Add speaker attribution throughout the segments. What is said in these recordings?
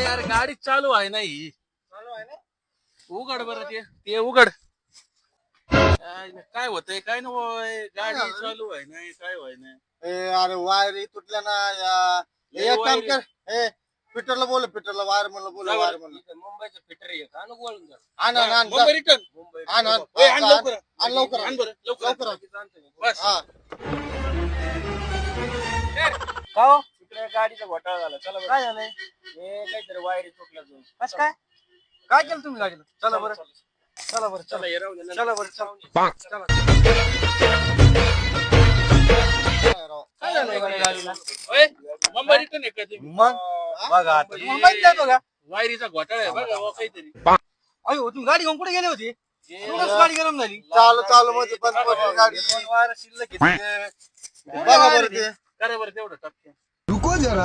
Speaker 1: यार गाडी चालू आहे ना ही.
Speaker 2: चालू आहे ना.
Speaker 1: उघड बरं ते उघड. काय होतंय काय ना गाडी चालू आहे नाही काय व्हाय नाही.
Speaker 2: अरे वायर तुटल्या ना एक काम कर पीटरला बोल पीटरला वायर म्हणलं बोल वायर म्हणलं
Speaker 3: मुंबईचं फिटर आहे का नु बोलून जा
Speaker 2: आण आण आण
Speaker 1: मुंबई रिटर्न.
Speaker 3: मुंबई
Speaker 2: आण आण
Speaker 1: आण लवकर
Speaker 2: आण लवकर
Speaker 1: आण बरं लवकर
Speaker 2: लवकर
Speaker 1: बस.
Speaker 2: हा
Speaker 3: का हो तिकडे गाडीचा घोटाळा झाला चला बरं. काय झालंय हे काहीतरी वायरी तुटल्या दोन
Speaker 2: बस काय काय केलं तुम्ही गाडीला चला बरं चला बरं
Speaker 3: चला हे राहू दे नंतर.
Speaker 2: चला बरं चला
Speaker 3: काय झालंय गाडीला
Speaker 1: ओय, मुंबई रिटर्न आहे का तुम्ही?
Speaker 2: मग बघा आता
Speaker 1: हे
Speaker 2: मुंबईत जातो का
Speaker 1: वायरीचा घोटाळा आहे बघा बुवा काहीतरी.
Speaker 2: अयो तुम्ही गाडी घेऊन कुठे गेले होते गाडी गरम झाली चालू चालू मध्ये पण गाडी वायर शिल्लक घेतली बघा बरं ते
Speaker 1: करा बरं तेवढं टपक्या.
Speaker 4: रुको जरा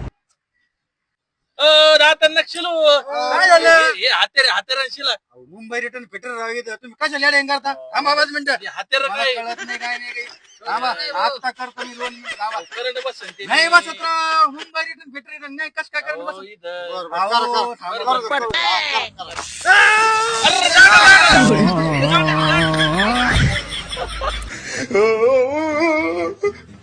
Speaker 1: राहता नक्षलो
Speaker 2: काय झालं?
Speaker 1: हे हातेरांशीला
Speaker 2: मुंबई रिटर्न फिटर तुम्ही कशा लेड्या करता थांबा 5 मिनिटं
Speaker 1: हातेर
Speaker 2: मला
Speaker 1: काय
Speaker 2: कळत नाही काय नाही काही थांबा आता करतो मी 2 मिनिट थांबा
Speaker 1: करंट बसन ते.
Speaker 2: नाही बस आता मुंबई रिटर्न फिटर नाही कस काय करत
Speaker 1: अहो,
Speaker 2: बस
Speaker 1: इथं.
Speaker 2: बरं